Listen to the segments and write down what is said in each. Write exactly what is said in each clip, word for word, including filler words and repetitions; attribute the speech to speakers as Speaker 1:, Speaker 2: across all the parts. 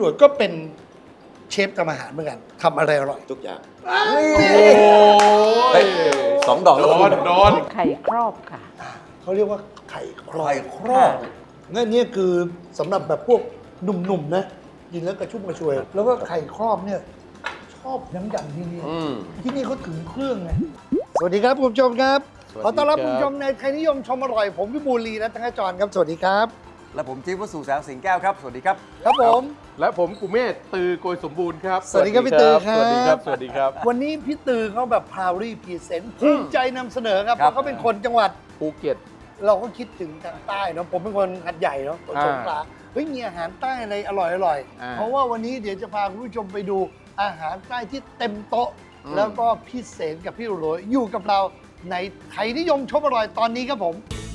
Speaker 1: หลวยก็เป็นเชฟทำอาหารเหมือนกันทำอะไรอร่อย
Speaker 2: ทุกอย่าง
Speaker 3: โอ้ย
Speaker 2: สองดอก
Speaker 3: โด
Speaker 2: แล้ว
Speaker 3: นโดน
Speaker 4: ไข่ครอบค่ะ
Speaker 1: เขาเรียกว่าไข่ครอบ
Speaker 2: ไข่ครอบ
Speaker 1: นั่นเนี่ยคือสำหรับแบบพวกหนุ่มๆนะกินแล้วกระชุ่มกระชวย แล้วก็ไข่ครอบเนี่ยชอบน้ำยำที่นี่
Speaker 3: อืม
Speaker 1: ที่นี่เขาถึงเครื่องไงสวัสดีครับคุณผู้ชมครับ
Speaker 3: สวัสดี
Speaker 1: ขอต้อนรับ
Speaker 3: ครับ
Speaker 1: คุณผู้ชมในไทยนิยมชมอร่อยผมวิบูลย์ลีรัตนจรครับสวัสดีครับ
Speaker 2: และผมจิ๊บวสุแสงสิงแก้วครับ สวัสดีครับ
Speaker 1: ครับผม
Speaker 3: และผมกุเมศตือโกยสมบูรณ์ครับ
Speaker 1: สวัสดีครับพี่ตือครับ
Speaker 3: สวัสดีครับ สวัสดีครับ
Speaker 1: วันนี้พี่ตือเขาแบบพาวรี่พรีเซนต์ภูมิใจนำเสนอครับ
Speaker 2: ค
Speaker 1: เพ
Speaker 2: รับ
Speaker 1: ราะเขาเป็นคนจังหวัด
Speaker 3: ภูเก็ต
Speaker 1: เราก็คิดถึงทางใต้เนาะผมเป็นคนหัดใหญ่เนาะคนสงขลาเฮ้ยมีอาหารใต้อะไรอร่อยอร่อยๆ
Speaker 3: อ่า
Speaker 1: เพราะว่าวันนี้เดี๋ยวจะพาคุณผู้ชมไปดูอาหารใต้ที่เต็มโต๊ะ
Speaker 3: อืม
Speaker 1: แล้วก็พี่เสนกับพี่โรยอยู่กับเราในไทยนิยมชมอร่อยตอนนี้ครับผม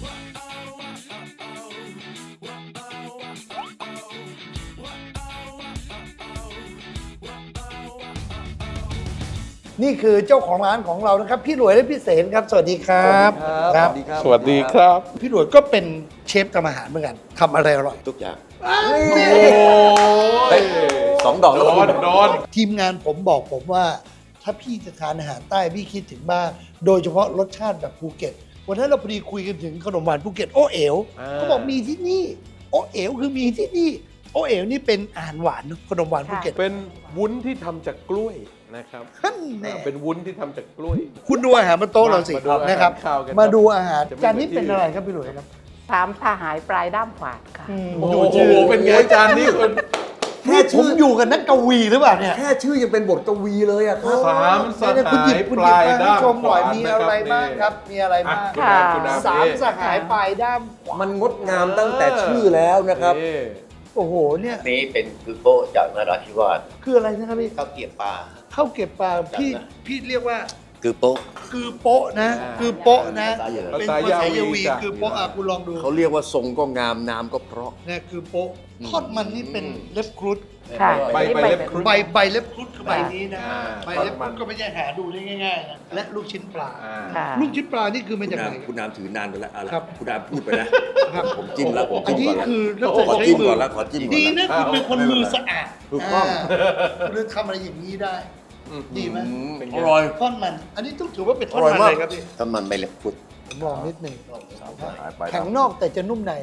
Speaker 1: นี่คือเจ้าของร้านของเรานะครับ พี่หลวยและพี่เสนครับ สวัสดีครับ
Speaker 2: สวัสดีครับ
Speaker 3: สวัสดีครับ
Speaker 1: พี่หลวยก็เป็นเชฟทำอาหารเหมือนกันทำอะไรอร่อย
Speaker 2: ทุกอย่าง
Speaker 3: โอ้ย
Speaker 2: สองดอก
Speaker 3: โด
Speaker 2: แล้ว
Speaker 3: นโดน
Speaker 1: ทีมงานผมบอกผมว่า ถ้าพี่จะทานอาหารใต้พี่คิดถึงบ้างโดยเฉพาะรสชาติแบบภูเก็ตวันนั้นเราพอดีคุยกันถึงขนมหวานภูเก็ตโอเอ๋ว
Speaker 3: อ่า
Speaker 1: เขาบอกมีที่นี่ โอเอ๋วคือมีที่นี่ โอเอ๋วนี่เป็นอาหารหวานเนอะขนมหวานภูเก็ต
Speaker 3: เป็นวุ้นที่ทำจากกล้วยนะครับ
Speaker 1: ท่านแน่
Speaker 3: เป็นวุ้นที่ทำจากกล้วย
Speaker 1: คุณดูอาหารบนโต๊ะเราสิ
Speaker 3: มาดูอาหาร
Speaker 1: นะครับ
Speaker 3: ข้าวกัน
Speaker 1: มาดูอาหาร
Speaker 3: จะไม่
Speaker 1: จานนี้
Speaker 3: เหมือนที่
Speaker 1: เป็นอะไรครับพี่หลวยครับ
Speaker 4: สามสหายปลายด้ามขวาดค่ะ
Speaker 3: โอ้โห เป็นไงจานนี้คุณ
Speaker 2: แค่
Speaker 1: นี่ผ
Speaker 2: ชื่
Speaker 1: ม
Speaker 2: อ
Speaker 1: อยู่กับนักกวีหรือเปล่าเนี่ย
Speaker 2: แค่ชื่อยังเป็นบทกวีเลยอะครับ
Speaker 3: สามส
Speaker 1: เนี่ยคุณหยิบ
Speaker 3: หาย
Speaker 1: คุณ
Speaker 3: ป
Speaker 1: หยิบ
Speaker 3: ลาย
Speaker 1: มาให้
Speaker 3: ด้าม
Speaker 1: ชมหน่อย
Speaker 3: ขวาน
Speaker 1: มีอะไร
Speaker 3: นะครับ
Speaker 1: บ้างครับ มีอะไรบ้าง
Speaker 3: อ่ะ
Speaker 4: ค่ะ
Speaker 1: สามสหายปลายด้ามขวา
Speaker 2: มันงดงามตั้งแต่ชื่อแล้วนะครับ
Speaker 3: นี่
Speaker 1: โอ้โหเนี่ย
Speaker 5: นี้เป็นคือโป้จากนราธิวาส
Speaker 1: คืออะไรนะครับพี่
Speaker 5: ข้าวเกรี๊ยวปลา
Speaker 1: ข้าวเก็บปลาพี่
Speaker 5: จำนะ
Speaker 1: พี่เรียกว่า
Speaker 5: คือโป้
Speaker 1: คือโป๊ะนะ คือโป๊ะนะ
Speaker 5: ภาษาเยอร
Speaker 1: เป็น
Speaker 3: ภาษา
Speaker 1: ภาษาย
Speaker 3: าวี
Speaker 1: วี
Speaker 3: จ้ะ
Speaker 1: คือโป๊ะอ่ะคุณลองดู
Speaker 2: เขาเรียกว่าทรงก็งามน้ำก็เพราะ
Speaker 1: เนี่ยคือโป๊ะทอดมันนี่เป็นเล็บครุฑ
Speaker 4: ค่ะ
Speaker 3: ใบ
Speaker 4: นี่
Speaker 3: ใบเล็บครุฑ
Speaker 1: ใบใบเล็บครุฑคือใบนี้นะ
Speaker 3: อ่า
Speaker 1: ใบเล็บครุฑก็ไม่ใช่หาดูได้ง่ายๆนะและลูกชิ้นปลา
Speaker 3: อ่า
Speaker 4: ค่ะ
Speaker 1: ลูกชิ้นปลานี่คือมา
Speaker 2: คุ
Speaker 1: จาก
Speaker 2: ณ
Speaker 1: ไห
Speaker 2: นาน ม
Speaker 1: ค
Speaker 2: คุ
Speaker 1: รับ
Speaker 2: ณนามถือนานไปแล้วเอาละ
Speaker 1: ครับ
Speaker 2: คุณนามพูดไปนะครับ ผมจิ้มแล้วผม
Speaker 1: อัน
Speaker 2: จิ้ม
Speaker 1: นี้
Speaker 2: ก่อนแล้ว
Speaker 1: คือนัก
Speaker 2: ขอ
Speaker 1: ใช้
Speaker 2: จิ้ม
Speaker 1: มื
Speaker 2: ก่
Speaker 1: อ
Speaker 2: อนแล้วขอจิ้มก่อน
Speaker 1: ดี
Speaker 2: แล้ว
Speaker 1: นะคุณเป็นคนมือสะอาด
Speaker 2: ถูกต้อง
Speaker 1: เรื่องทำอะไรอย่างนี้ได้ ดีไหม
Speaker 2: อืม
Speaker 3: เป็นไง
Speaker 2: อร่อย
Speaker 1: ท่อนมัน อันนี้ต้องถือว่าเป็นท่อน
Speaker 2: อร่อย
Speaker 1: มัน
Speaker 2: มาก
Speaker 1: เลยครับพี่
Speaker 5: ถ้ามันไม่เล็บพุด
Speaker 1: ผมลองนิดหนึ่ง
Speaker 2: หายไป
Speaker 1: แข็งนอกแต่จะนุ่มใน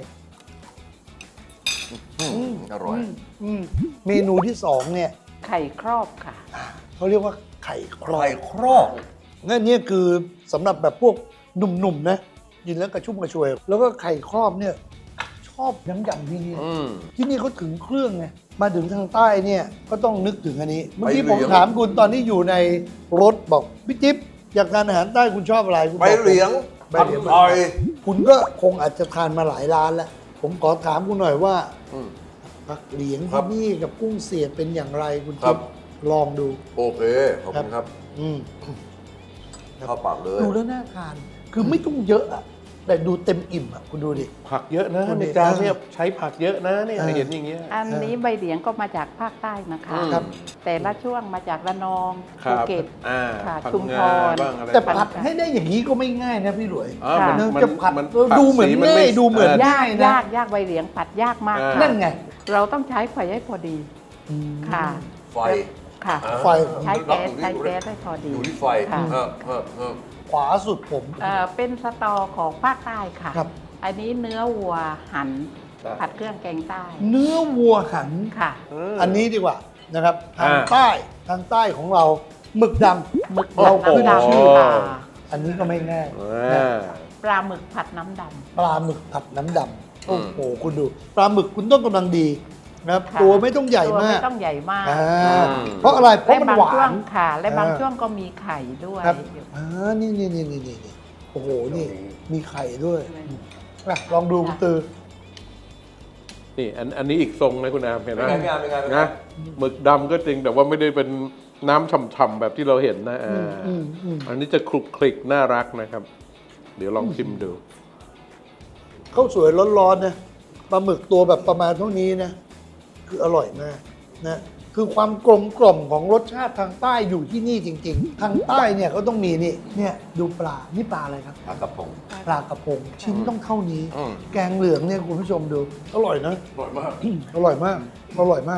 Speaker 2: อืมอร่อย
Speaker 1: มอืมเมนูที่สองเนี่ย
Speaker 4: ไข่ครอบค่ะ
Speaker 1: เขาเรียกว่าไข่ครอ
Speaker 2: ไข่
Speaker 1: บ
Speaker 2: ครอบ
Speaker 1: นั่นเนี่ยคือสำหรับแบบพวกหนุ่มๆนะกินแล้วกระชุ่มกระชวย แล้วก็ไข่ครอบเนี่ยชอบน้ำยำที่นี่
Speaker 3: อืม
Speaker 1: ที่นี่เขาถึงเครื่องไงมาถึงทางใต้เนี่ยก็ต้องนึกถึงอันนี้ เมื่อกี้
Speaker 2: ใบ
Speaker 1: ผม
Speaker 2: เหลียง
Speaker 1: ถามคุณตอนนี้อยู่ในรถบอกพี่จิ๊บอยากทานอาหารใต้คุณชอบอะไรคุณ
Speaker 2: ใบ
Speaker 1: บอกผม
Speaker 2: เหลียง
Speaker 1: ใบเหลียง
Speaker 2: อร่อย
Speaker 1: คุณก็คงอาจจะทานมาหลายร้านแล้ว ผมขอถามคุณหน่อยว่า
Speaker 2: อืม
Speaker 1: ผักเหลียง
Speaker 2: ครั
Speaker 1: ที่
Speaker 2: บ
Speaker 1: นี่กับกุ้งเสียบเป็นอย่างไรคุณ
Speaker 2: ครั
Speaker 1: จิ๊
Speaker 2: บ
Speaker 1: บลองดู
Speaker 2: โอเค ขอบคุณครับ
Speaker 1: อืม
Speaker 2: เข้าปากเลย
Speaker 1: ดูแล้วน่าทาน คือไม่ต้องเยอะอะแต่ดูเต็มอิ่มอะคุณดูดิ
Speaker 3: ผักเยอะนะ
Speaker 1: คน
Speaker 3: ใน
Speaker 1: นี้
Speaker 3: จานเนี่ยใช้ผักเยอะนะเนี่ย
Speaker 1: เออ
Speaker 3: เห็นอย่างเงี้ย
Speaker 4: อันนี้ใบเหลียงก็มาจากภาคใต้นะคะ
Speaker 1: ครับ
Speaker 4: แต่ละช่วงมาจากระนอง
Speaker 3: ครั
Speaker 4: ภู
Speaker 3: บ
Speaker 4: เก็ต
Speaker 3: อ่า
Speaker 4: ค่ะ
Speaker 3: ผัก
Speaker 4: ชุมพ
Speaker 3: งาร บ้างอะไร
Speaker 1: แต่
Speaker 3: บ้าง
Speaker 1: ผัดให้ได้อย่างนี้ก็ไม่ง่ายนะพี่หลวย
Speaker 3: อ่ามัน
Speaker 1: เนอะ
Speaker 3: มัน
Speaker 1: จะผัด
Speaker 3: มัน
Speaker 1: เออ
Speaker 3: ผั
Speaker 1: ดูเหมือน
Speaker 3: สี
Speaker 1: ง่ายดูเหมือน
Speaker 4: ยาก
Speaker 1: ง่ายนะ
Speaker 4: ยากยากใบเหลียงผัดยากมาก
Speaker 3: อ่า
Speaker 4: ค่ะ
Speaker 1: นั่นไง
Speaker 4: เราต้องใช้ไฟให้พอดี
Speaker 1: อืม
Speaker 4: ค่ะ
Speaker 2: ไฟ
Speaker 4: ค่ะ
Speaker 2: อ่า
Speaker 1: ไฟ
Speaker 4: ใช้แก๊สใช้แก๊สให้พอดี
Speaker 2: อยู่ที่ไฟ
Speaker 4: ค่ะ
Speaker 2: เออเออเออ
Speaker 1: ขวาสุดผม
Speaker 4: เอ่อเป็นสตอของภาคใต้ค่ะ
Speaker 1: ครับ
Speaker 4: อันนี้เนื้อวัวหั่น
Speaker 3: ครับ
Speaker 4: ผัดเครื่องแกงใต้
Speaker 1: เนื้อวัวหัน
Speaker 4: ค่ะ
Speaker 1: อันนี้ดีกว่านะครับทาง
Speaker 3: อ่า
Speaker 1: ใต้ทางใต้ของเราหมึกดำ
Speaker 4: หมึก
Speaker 1: เรา
Speaker 4: ผัด
Speaker 1: ขึ้น
Speaker 4: น้ำ
Speaker 1: ชื่อ
Speaker 4: ดำค่ะ
Speaker 1: อันนี้ก็ไม่ง่าย
Speaker 3: อ่า
Speaker 4: ปลาหมึกผัดน้ำด
Speaker 1: ปลาหมึกผัดน้ำดำโอ้โหคุณดูปลาหมึกคุณต้องกำลังดีนะครับ
Speaker 4: ำค่ะ
Speaker 1: ตัวไม่ต้องใหญ่
Speaker 4: ตัว
Speaker 1: มา
Speaker 4: ไม่
Speaker 1: ก
Speaker 4: ต้องใหญ่มาก
Speaker 1: อ่า
Speaker 4: ค่ะ
Speaker 1: เพราะอะไรเพ
Speaker 4: และ
Speaker 1: ราะมัน
Speaker 4: บาง
Speaker 1: หวา
Speaker 4: ช่วง
Speaker 1: น
Speaker 4: ค่ะ และบาง
Speaker 1: อ่า
Speaker 4: ช่วงก็มีไข่ด้วย
Speaker 1: ครับอ่านี่นี่นี่นี่นี่นี่โอ้โหนี่มีไข่ด้วยอ่ะลองดูคุณตือ
Speaker 3: นี่อันอันนี้อีกทรงนะคุณอามเห็นไหม
Speaker 2: เป็นไงเป็นไงเป็นไง
Speaker 3: นะหมึกดำก็จริงแต่ว่าไม่ได้เป็นน้ำฉ่ำๆแบบที่เราเห็นนะอ่า
Speaker 1: อืมอืม
Speaker 3: อันนี้จะคลุกคลิกน่ารักนะครับ เดี๋ยวลองชิมดู
Speaker 1: ข้าวสวยร้อนๆนะปลาหมึกตัวแบบประมาณเท่านี้นะคืออร่อยมากนะคือความกลมกล่อมของรสชาติทางใต้อยู่ที่นี่จริง ๆ ทางใต้เนี่ยเขาต้องมีนี่เนี่ยดูปลานี่ปลาอะไรครับ
Speaker 2: ปลากระพง
Speaker 1: ปลากระพงชิ้นต้องเท่านี้
Speaker 2: อืม
Speaker 1: แกงเหลืองเนี่ยคุณผู้ชมดู อร่อยนะ
Speaker 2: อร่อยมาก
Speaker 1: อร่อยมาก อร่อยมาก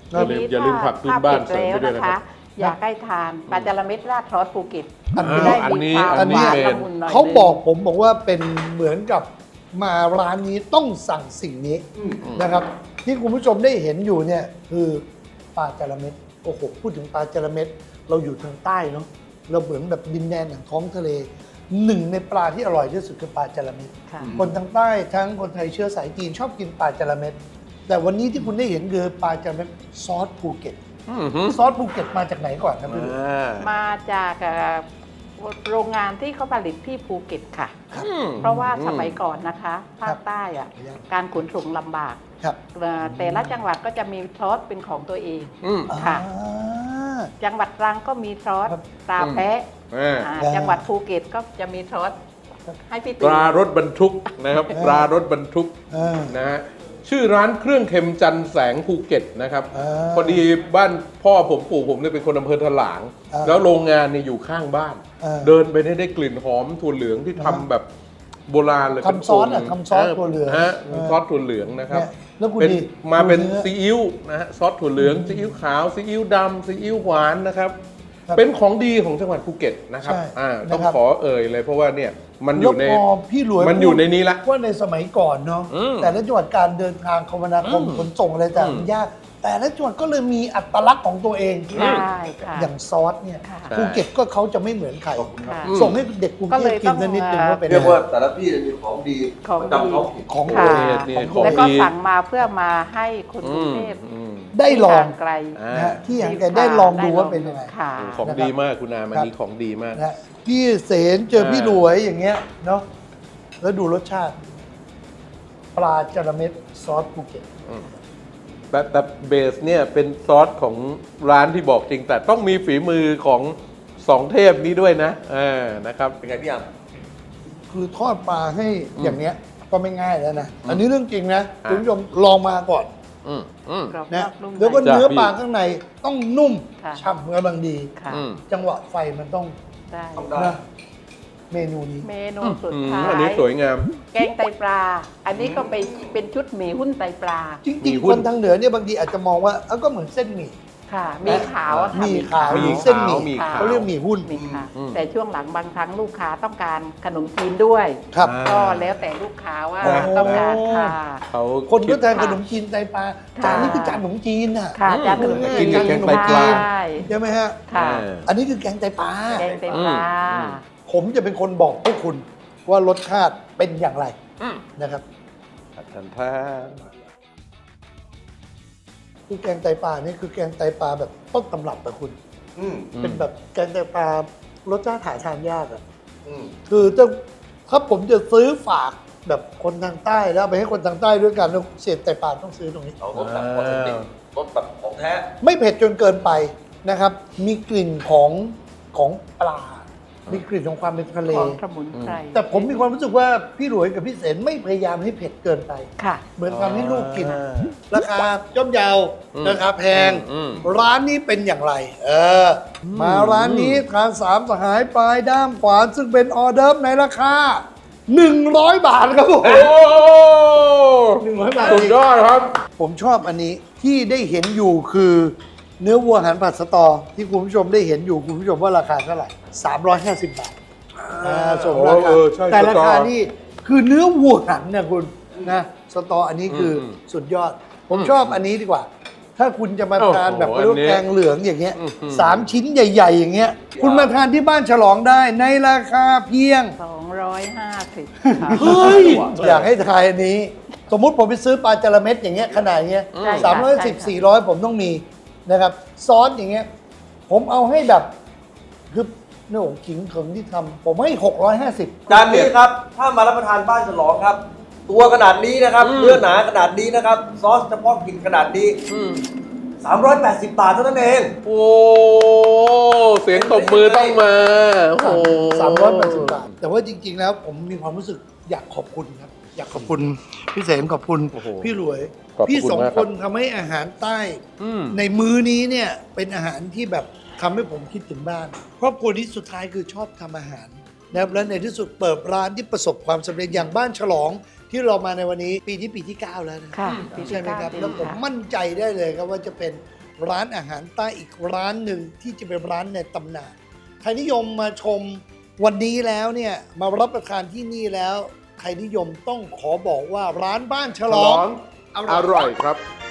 Speaker 3: อย่าลืมอย่าลืมผักพื้นบ้านเสริมไปด้วยนะครับ
Speaker 4: อยากให้ทานปลาจาระเม็ดราดซอสภูเก็ต
Speaker 1: อัน
Speaker 3: อ่า
Speaker 1: นี้
Speaker 4: ได้
Speaker 3: อัน
Speaker 4: มี
Speaker 3: นี้
Speaker 4: ความ
Speaker 3: อัน
Speaker 4: ห
Speaker 3: นี้
Speaker 4: วาน
Speaker 3: เป็น
Speaker 4: ละมุนหน่อย
Speaker 1: เขา
Speaker 4: นึง
Speaker 1: บอกผมบอกว่าเป็นเหมือนกับมาร้านนี้ต้องสั่งสิ่งนี้นะครับ ที่คุณผู้ชมได้เห็นอยู่เนี่ยคือปลาจาระเม็ดโอ้โหพูดถึงปลาจาระเม็ดเราอยู่ทางใต้เนาะเราเหมือนแบบดินแดนแห่งท้องทะเลหนึ่งในปลาที่อร่อยที่สุดคือปลาจาระเม็ด
Speaker 4: ค่ะ
Speaker 1: คนทางใต้ทั้งคนไทยเชื้อสายจีนชอบกินปลาจาระเม็ดแต่วันนี้ที่คุณได้เห็นคือปลาจาระเม็ดซอสภูเก็ต
Speaker 3: อือหือ
Speaker 1: ซอสภูเก็ตมาจากไหนก่อนครับพี่ลูก
Speaker 3: อ่า
Speaker 4: มาจากเอ่อโรงงานที่เขาผลิตที่ภูเก็ตค่ะ
Speaker 3: อืม
Speaker 4: เพราะว่าสมัยก่อนนะคะภาคใต้อะการขนส่งลำบาก
Speaker 1: ครับ
Speaker 4: เอ่อแต่ละจังหวัดก็จะมีซอสเป็นของตัวเอง
Speaker 3: อืม
Speaker 4: ค่ะ
Speaker 1: อ่า
Speaker 4: จังหวัดตรังก็มีซอส
Speaker 1: ครับ
Speaker 4: ตราแพะ
Speaker 3: อ่า
Speaker 4: อ่า
Speaker 1: อ่า
Speaker 4: จังหวัดภูเก็ตก็จะมีซอสให้พี่
Speaker 3: ป
Speaker 4: ตี
Speaker 3: ลารถบรรทุกนะครับ
Speaker 1: เออ
Speaker 3: ปลารถบรรทุก
Speaker 1: เออ
Speaker 3: นะฮะชื่อร้านเครื่องเค็มจันแสงภูเก็ตนะครับ
Speaker 1: เออ
Speaker 3: พอดีบ้านพ่อผมปู่ผมเนี่ยเป็นคนอำเภอถลาง
Speaker 1: เออ
Speaker 3: แล้วโรงงานเนี่ยอยู่ข้างบ้าน
Speaker 1: เออ
Speaker 3: เดินไปเนี่ยได้กลิ่นหอมถั่วเหลืองที่ทำแบบโบราณเลย
Speaker 1: ทำซอสอะ
Speaker 3: เป็น
Speaker 1: ทำซอสถั่วเหลือง
Speaker 3: ฮะ
Speaker 1: เออ
Speaker 3: ซอสถั่วเหลืองนะครับ
Speaker 1: เนี่ยแล้วคุณ
Speaker 3: เป็น
Speaker 1: ดี
Speaker 3: มาเป็น
Speaker 1: ดูเนื้อ
Speaker 3: ซีอิ๊วนะฮะซอสถั่วเหลืองซีอิ๊วขาวซีอิ๊วดำซีอิ๊วหวานนะครับ
Speaker 1: ครับ
Speaker 3: เป็นของดีของจังหวัดภูเก็ตนะครับ
Speaker 1: ใช่
Speaker 3: อ่าต้อง
Speaker 1: นะครับ
Speaker 3: ขอเอ่ยเลยเพราะว่าเนี่ยมันอ
Speaker 1: แล้ว
Speaker 3: ยู่ใน
Speaker 1: พอพี่หลวย
Speaker 3: มันอยู่ในนี้ละ
Speaker 1: ว่าในสมัยก่อนเนาะ
Speaker 3: อืม
Speaker 1: แต่ละจังหวัดการเดินทางคมนาคม
Speaker 3: อืม
Speaker 1: ขนส่งอะไรต่าง
Speaker 3: อืม
Speaker 1: ๆยากแต่ละจังหวัดก็เลยมีอัตลักษณ์ของตัวเอง
Speaker 4: ใช่ค่ะ
Speaker 1: อย่างซอสเนี่ย
Speaker 4: ค่ะ
Speaker 1: ภูเก็ตก็เขาจะไม่เหมือนใคร
Speaker 2: ขอบคุณครับ
Speaker 4: ค่ะ
Speaker 3: อืม
Speaker 1: ส่งให้เด็กกรุง
Speaker 4: ก็
Speaker 1: เท
Speaker 4: เล
Speaker 1: พ
Speaker 4: ย
Speaker 1: กินสักนิดหนึ่ง
Speaker 4: ต้อง
Speaker 1: ว่าเป็น
Speaker 2: เรียก
Speaker 1: ยังไง
Speaker 2: ว่าแต่ละที่จะมีของดี
Speaker 4: ของ
Speaker 2: ประจำท้องถิ่น
Speaker 1: ของ
Speaker 4: ค่ะ
Speaker 3: นี่นี่ของ
Speaker 4: แล้วก็
Speaker 3: ดี
Speaker 4: สั่งมาเพื่อมาให้คนกรุงเทพ
Speaker 3: อืม
Speaker 1: ได้ลอง
Speaker 4: ที่ห่างไกล
Speaker 3: อ่า
Speaker 1: นะฮะที่อย่างแกได้ลองดูว่าเป็นยังไง
Speaker 4: ค่ะ
Speaker 3: ของดีมากคุณอามันนี้ของดีมาก
Speaker 1: นะฮะพี่เสนเจอพี่หลวยอย่างเงี้ยเนาะแล้วดูรสชาติ ปลาจาระเม็ดซอสภูเก็ต
Speaker 3: แต่แต่เบสเนี่ยเป็นซอสของร้านที่บอกจริง แต่ต้องมีฝีมือของสองเทพนี้ด้วยนะอ่านะครับ
Speaker 2: เป็นไงพี่ยาม
Speaker 1: คือทอดปลาให้
Speaker 3: อืม
Speaker 1: อย่างเนี้ยก็ไม่ง่ายแล้วนะ อันนี้เรื่องจริงนะ
Speaker 3: อ่ะ
Speaker 1: คุณผู้ชมลองมาก่อน
Speaker 3: อืมอืม
Speaker 4: กรอบน
Speaker 1: นะ
Speaker 4: อกนุ่มใน
Speaker 1: แล้วก็
Speaker 3: จ้ะ
Speaker 1: เนื้อ
Speaker 3: พี่
Speaker 1: ปลาข้างในต้องนุ่ม
Speaker 4: ค่ะ
Speaker 1: ฉ่ำกำลังดี
Speaker 4: ค่ะ
Speaker 3: อืม
Speaker 1: จังหวะไฟมันต้อง
Speaker 4: ได้
Speaker 2: ทำได้
Speaker 1: นะเมนูนี้
Speaker 4: เมนูสุด
Speaker 3: อืม
Speaker 4: ท้าย
Speaker 3: อันนี้สวยงาม
Speaker 4: แกงไตปลา อันนี้ก็ไปเป็นชุดหมี่หุ้นไตปลา
Speaker 1: จ
Speaker 3: มี
Speaker 1: ริง
Speaker 3: หุ้
Speaker 1: ๆ คน นทางเหนือเนี่ยบางทีอาจจะมองว่าเอ้าก็เหมือนเส้นหมี่
Speaker 4: ค่ะ มีขาวอะค่ะ
Speaker 1: หมี่ขาว
Speaker 3: หมี่
Speaker 1: หรือเส้นหมี่
Speaker 3: ขาวหมี่ขาว
Speaker 1: เขาเรียกหมี่หุ้น
Speaker 4: มีค่ะ
Speaker 3: อืม
Speaker 4: แต่ช่วงหลังบางครั้งลูกค้าต้องการขนมจีนด้วย
Speaker 1: ครับ
Speaker 3: อ่า
Speaker 4: ก็แล้วแต่ลูกค้าว่า
Speaker 1: โอ้
Speaker 4: ต้องการค่ะ
Speaker 3: เขา
Speaker 1: คนก็
Speaker 3: ด
Speaker 1: ทานขนมจีนไตปลา
Speaker 4: ค่ะ
Speaker 1: จานนี้คือจานขนมจีนน่ะ
Speaker 4: ค่ะจานขนม
Speaker 1: อืม
Speaker 4: จีน
Speaker 3: กินกับแกงไตปลา
Speaker 4: ใช่
Speaker 1: ใช่ไหมฮะ
Speaker 4: ค่ะ
Speaker 3: อ่า
Speaker 1: อันนี้คือแกงไตปลา
Speaker 4: แกงไตปลา
Speaker 3: อืม
Speaker 1: ผมจะเป็นคนบอกพวกคุณว่ารสชาติเป็นอย่างไร
Speaker 3: อืม
Speaker 1: นะครับ
Speaker 3: ทันท่า
Speaker 1: คือแกงไตปลานี่คือแกงไตปลาแบบต้นตำรับอะคุณ
Speaker 2: อืม
Speaker 1: เป็นแบบแกงไตปลารสชาติหาทานยากอะ
Speaker 2: อืม
Speaker 1: คือจะถ้าผมจะซื้อฝากแบบคนทางใต้แล้วเอาไปให้คนทางใต้ด้วยกันแล้วเสียบไตปลาต้องซื้อตรงนี้
Speaker 2: เอารสแบบออเทนติกรสแบบของแท้
Speaker 1: ไม่เผ็ดจนเกินไปนะครับ มีกลิ่นของของปลา มีกลิ่นของความเป็นทะเล
Speaker 4: ของสมุนไพร
Speaker 1: แต่ผมมีความรู้สึกว่าพี่หลวยกับพี่เสนไม่พยายามให้เผ็ดเกินไป
Speaker 4: ค่ะ
Speaker 1: เหมือนทำให้ลูกกิน
Speaker 3: อ่า
Speaker 1: ราคาย่อมเยาว
Speaker 3: อืม
Speaker 1: ราคาแพง
Speaker 3: อืม
Speaker 1: ร้านนี้เป็นอย่างไร เอออมาร้านนี้ทานสามสหายปลายด้ามขวานซึ่งเป็นออเดิร์ฟในราคา หนึ่งร้อย บาทครับผม
Speaker 3: โอ้
Speaker 1: หนึ่งร้อยบาท
Speaker 3: สุดยอดครับ
Speaker 1: ผมชอบอันนี้ที่ได้เห็นอยู่คือเนื้อวัวหันผัดสตอ ที่คุณผู้ชมได้เห็นอยู่คุณผู้ชมว่าราคาเท่าไหร่ สามร้อยห้าสิบบาทอ่าส่วนรา
Speaker 3: โอ้
Speaker 1: คา
Speaker 3: เออใช่
Speaker 1: แต่ราคา
Speaker 3: สตอ
Speaker 1: นี่คือเนื้อวัวหันนะคุณนะสตออันนี้คืออ
Speaker 3: ม
Speaker 1: สุดยอด ผม
Speaker 3: อืม
Speaker 1: ชอบอันนี้ดีกว่า ถ้าคุณจะมาทาน
Speaker 3: โอ้โห
Speaker 1: แบบเรียกว่า
Speaker 3: อันนี้
Speaker 1: แกงเหลืองอย่างเงี้ย
Speaker 3: อื้อหือ
Speaker 1: สามชิ้นใหญ่ ๆ อย่างเงี้ย คุณมาทานที่บ้านฉลองได้ในราคาเพียง
Speaker 4: สองร้อยห้าสิบ
Speaker 1: เฮ้ย อยากให้ทายอันนี้ สมมุติผมไปซื้อปลาจาระเม็ดอย่างเงี้ยขนาดเงี้ย
Speaker 4: ใช่ค่ะ
Speaker 1: สามร้อยสิบ
Speaker 4: ใช่ค่ะ
Speaker 1: สี่ร้อยผมต้องมีนะครับ ซอสอย่างเงี้ย ผมเอาให้แบบ คือโน่ขิงเขิงที่ทำผมให้หกร้อยห้าสิบ
Speaker 6: จานนี้ครับ ถ้ามารับประทานบ้านฉลองครับ ตัวขนาดนี้นะครับ
Speaker 3: อืม
Speaker 6: เนื้อหนาขนาดนี้นะครับ ซอสเฉพาะกินขนาดนี้
Speaker 3: อืม
Speaker 6: สามร้อยแปดสิบบาทเท่านั้นเอง
Speaker 3: โอ้ เสียงตบมือต้องมา โอ้โห
Speaker 1: สามร้อยแปดสิบบาท แต่ว่าจริง ๆ แล้วผมมีความรู้สึกอยากขอบคุณครับ อยากขอบคุณพี่เสมขอบคุณ
Speaker 3: โอ้โห
Speaker 1: พี่หลวย
Speaker 3: ขอบคุณ
Speaker 1: พี่สอง
Speaker 3: มาก
Speaker 1: ค
Speaker 3: ครับ
Speaker 1: นทำให้อาหารใต้
Speaker 3: อืม
Speaker 1: ในมื้อนี้เนี่ยเป็นอาหารที่แบบทำให้ผมคิดถึงบ้าน ครอบครัวนี้สุดท้ายคือชอบทำอาหารนะครับและในที่สุดเปิดร้านที่ประสบความสำเร็จอย่างบ้านฉลอง ที่เรามาในวันนี้ปีที่ปีที่เก้าแล้วนะ
Speaker 4: ค่ะ
Speaker 1: ใช่ไหมครับ
Speaker 4: ปีที่
Speaker 1: แล้วผม
Speaker 4: เก้า
Speaker 1: มั่นใจได้เลยครับว่าจะเป็นร้านอาหารใต้อีกร้านหนึ่งที่จะเป็นร้านในตำนานใครนิยมมาชมวันนี้แล้วเนี่ยมารับประทานที่นี่แล้วใครนิยมต้องขอบอกว่าร้านบ้านฉ
Speaker 3: ฉ
Speaker 1: ล
Speaker 3: ล
Speaker 1: อ
Speaker 3: อง งอร่อยครับ